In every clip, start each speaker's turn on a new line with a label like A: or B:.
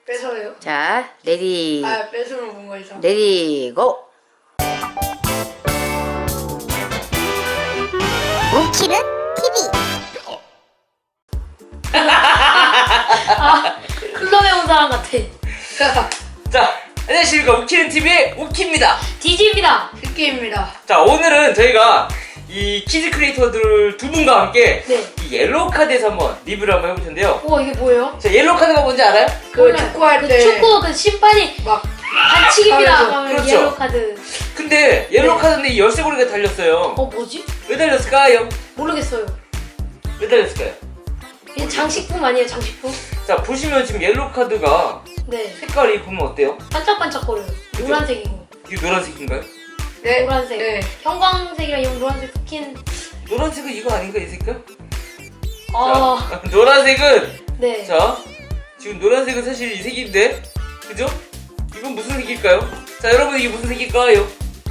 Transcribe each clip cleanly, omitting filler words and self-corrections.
A: 뺏어요?
B: 자, 레디.
A: 아, 뺏으면 뭔가 이상.
B: 레디 고.
C: 웃기는 TV.
D: 클럽에 온 사람 같아.
E: 자, 안녕하십니까. 웃기는 TV의 우키입니다.
D: 디지입니다.
A: 흑기입니다.
E: 자, 오늘은 저희가 이 키즈 크리에이터들 두 분과 함께
D: 네.
E: 이 옐로우 카드에서 한번 리뷰를 한번 해볼 텐데요.
D: 우와, 이게 뭐예요?
E: 자, 옐로우 카드가 뭔지 알아요?
A: 그
D: 몰라요.
A: 축구할
D: 그
A: 때
D: 축구 그 심판이
A: 막
D: 반칙입니다.
A: 하면서.
D: 하면
E: 그렇죠.
D: 옐로우 카드.
E: 근데 옐로우
D: 네.
E: 카드인데 이 열쇠고리가 달렸어요.
D: 뭐지?
E: 왜 달렸을까요?
D: 모르겠어요.
E: 왜 달렸을까요?
D: 이게 장식품 아니에요, 장식품?
E: 자, 보시면 지금 옐로우 카드가
D: 네.
E: 색깔이 보면 어때요?
D: 반짝반짝거려요.
E: 그죠?
D: 노란색이고.
E: 이게 노란색인가요?
A: 네.
D: 노란색.
A: 네.
D: 형광색이랑 이 노란색 스킨.
E: 노란색은 이거 아닌가, 이 색깔?
D: 아,
E: 자, 노란색은
D: 네.
E: 자, 지금 노란색은 사실 이 색인데, 그죠? 이건 무슨 색일까요? 자, 여러분 이게 무슨 색일까요?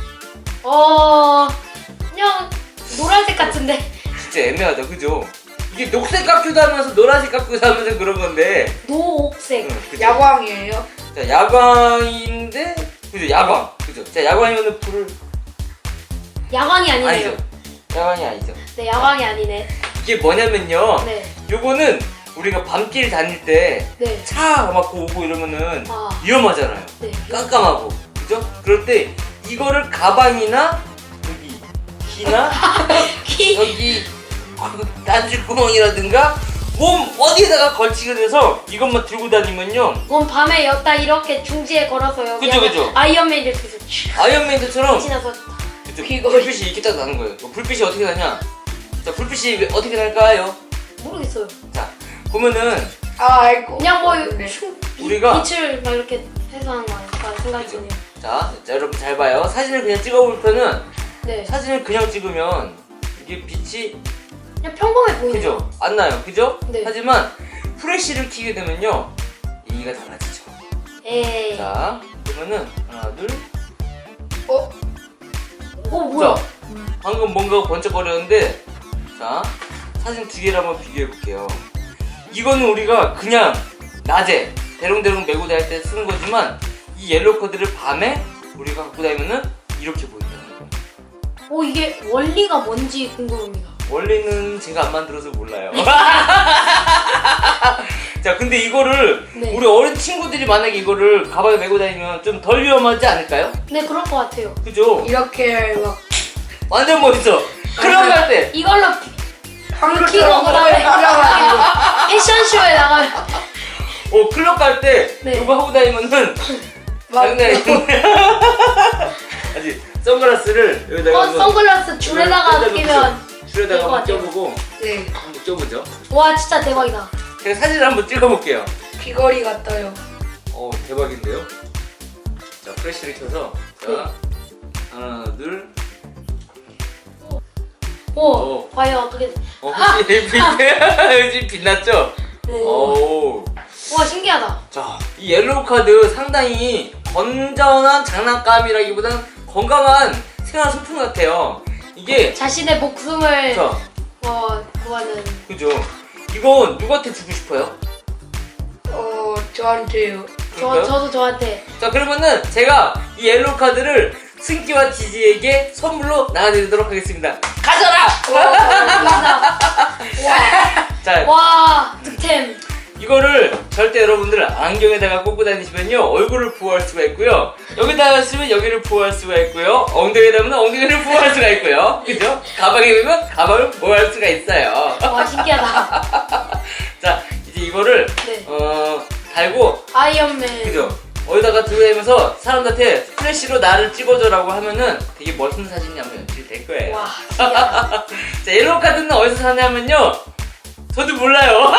D: 그냥 노란색 같은데.
E: 진짜 애매하다, 그죠? 이게 녹색 같기도 하면서 노란색 같기도 하면서 그런 건데,
D: 노옥색.
E: 그죠?
A: 야광이에요.
E: 자, 야광인데, 그죠? 야광, 그죠? 자, 야광이면은 불을
D: 야광이 아니네요.
E: 아니죠? 야광이 아니죠?
D: 네, 야광이 아니네.
E: 이게 뭐냐면요,
D: 네.
E: 요거는 우리가 밤길 다닐 때
D: 네.
E: 차 막 오고 이러면은
D: 아.
E: 위험하잖아요.
D: 네.
E: 깜깜하고, 그죠? 그럴 때 이거를 가방이나 여기 귀나 여기 단추구멍이라든가 몸 어디에다가 걸치게 돼서 이것만 들고 다니면요,
D: 그건 밤에 였다 이렇게 중지에 걸어서 여기
E: 그죠, 그죠.
D: 아이언맨 이렇게 해서 촤
E: 아이언맨처럼
D: 지나서
E: 그죠?
A: 귀걸이.
E: 불빛이 이렇게 딱 나는 거예요. 불빛이 어떻게 나냐? 자, 불빛이 어떻게 날까요?
D: 모르겠어요.
E: 자, 보면은
A: 아, 알고.
D: 그냥 뭐
A: 네.
E: 우리가
D: 빛을 막 이렇게 해서 하는 거 아닐까 생각이
E: 그죠.
D: 드네요.
E: 자, 여러분 잘 봐요. 사진을 그냥 찍어볼 때는
D: 네.
E: 사진을 그냥 찍으면 이게 빛이
D: 그냥 평범해 보이네요.
E: 그죠? 안 나요. 그죠?
D: 네.
E: 하지만 프레쉬를 켜게 되면요, 얘기가 달라지죠.
D: 에이.
E: 자, 그러면은 하나, 둘.
A: 어?
D: 뭐야?
E: 자, 방금 뭔가 번쩍거렸는데, 자, 사진 두 개를 한번 비교해 볼게요. 이거는 우리가 그냥 낮에 대롱대롱 메고 다닐 때 쓰는 거지만, 이 옐로우 카드를 밤에 우리가 갖고 다니면은 이렇게 보인다는 거예요.
D: 이게 원리가 뭔지 궁금합니다.
E: 원래는 제가 안 만들어서 몰라요. 자, 근데 이거를
D: 네.
E: 우리 어린 친구들이 만약에 이거를 가방에 메고 다니면 좀 덜 위험하지 않을까요?
D: 네, 그럴 것 같아요.
E: 그죠?
A: 이렇게 막
E: 완전 멋있어. 클럽 갈 때.
D: 이걸로
A: 한글처럼
D: 키고 그다음에
A: 뿌려가지고.
D: 패션쇼에 나가면
E: 클럽 갈 때
D: 네.
E: 이거 하고 다니면은 장난이 아니네. 아직 선글라스를 여기다가 한번
D: 선글라스 줄에다가
E: 여기다가
D: 끼면
E: 줄에다가
D: 될것
E: 한번
D: 같아요.
E: 껴보고
A: 네.
E: 한번 껴보죠.
D: 와 진짜 대박이다.
E: 제가 사진을 한번 찍어볼게요.
A: 귀걸이 같아요.
E: 대박인데요? 자, 프레쉬를 켜서 자,
D: 네.
E: 하나, 둘.
D: 오, 과연 어떻게?
E: 혹시 빛났죠?
D: 네.
E: 오.
D: 와 신기하다.
E: 자, 이 옐로우 카드 상당히 건전한 장난감이라기보다는 건강한 생활 소품 같아요. 이게
D: 자신의 목숨을
E: 자,
D: 구하는.
E: 그죠? 이건 누구한테 주고 싶어요?
A: 저한테요.
E: 그럴까요?
D: 저도 저한테.
E: 자, 그러면은 제가 이 옐로우 카드를 승기와 지지에게 선물로 나눠드리도록 하겠습니다. 가져라!
D: 감사합니다.
E: 자,
D: 와 득템.
E: 이거를 절대 여러분들 안경에다가 꽂고 다니시면요, 얼굴을 보호할 수가 있고요, 여기다가 쓰면 여기를 보호할 수가 있고요, 엉덩이에다 하면 엉덩이를 보호할 수가 있고요, 그죠? 가방에 넣으면 가방을 보호할 수가 있어요.
D: 와 신기하다.
E: 자, 이제 이거를
D: 네.
E: 달고,
D: 아이언맨.
E: 그죠? 어디다가 들고 다니면서 사람들한테 플래시로 나를 찍어줘라고 하면은 되게 멋있는 사진이 한번 연출이 될 거예요.
D: 와 신기하다.
E: 자, 옐로우 카드는 어디서 사냐면요, 저도 몰라요.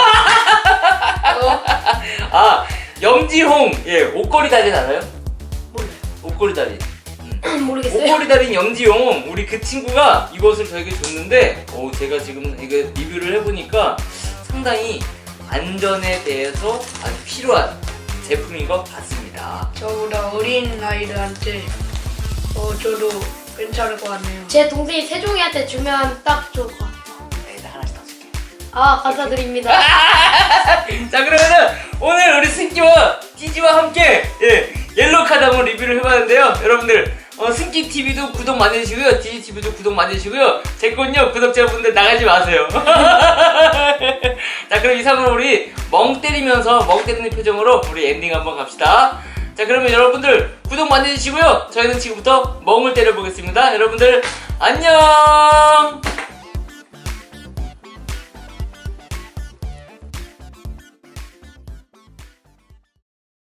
E: 염지홍, 옷걸이 달인 알아요?
D: 몰라요.
E: 옷걸이 달인.
D: 모르겠어요.
E: 옷걸이 달인 염지홍, 우리 그 친구가 이것을 저에게 줬는데, 제가 지금 이거 리뷰를 해보니까 상당히 안전에 대해서 아주 필요한 제품인 것 같습니다.
A: 저보다 어린 아이들한테 저도 괜찮을 것 같네요.
D: 제 동생이 세종이한테 주면 딱 좋을 것 같아요.
E: 나 하나씩 더 줄게.
D: 아 감사드립니다.
E: 자, 그러면은 오늘 우리 승기와 키즈와 함께 옐로우 카드 한번 리뷰를 해봤는데요. 여러분들 승기 TV도 구독 많이 해주시고요. 디지 TV도 구독 많이 해주시고요. 제 건요 구독자분들 나가지 마세요. 자, 그럼 이상으로 우리 멍 때리면서 멍 때리는 표정으로 우리 엔딩 한번 갑시다. 자, 그러면 여러분들 구독 많이 해주시고요. 저희는 지금부터 멍을 때려보겠습니다. 여러분들 안녕.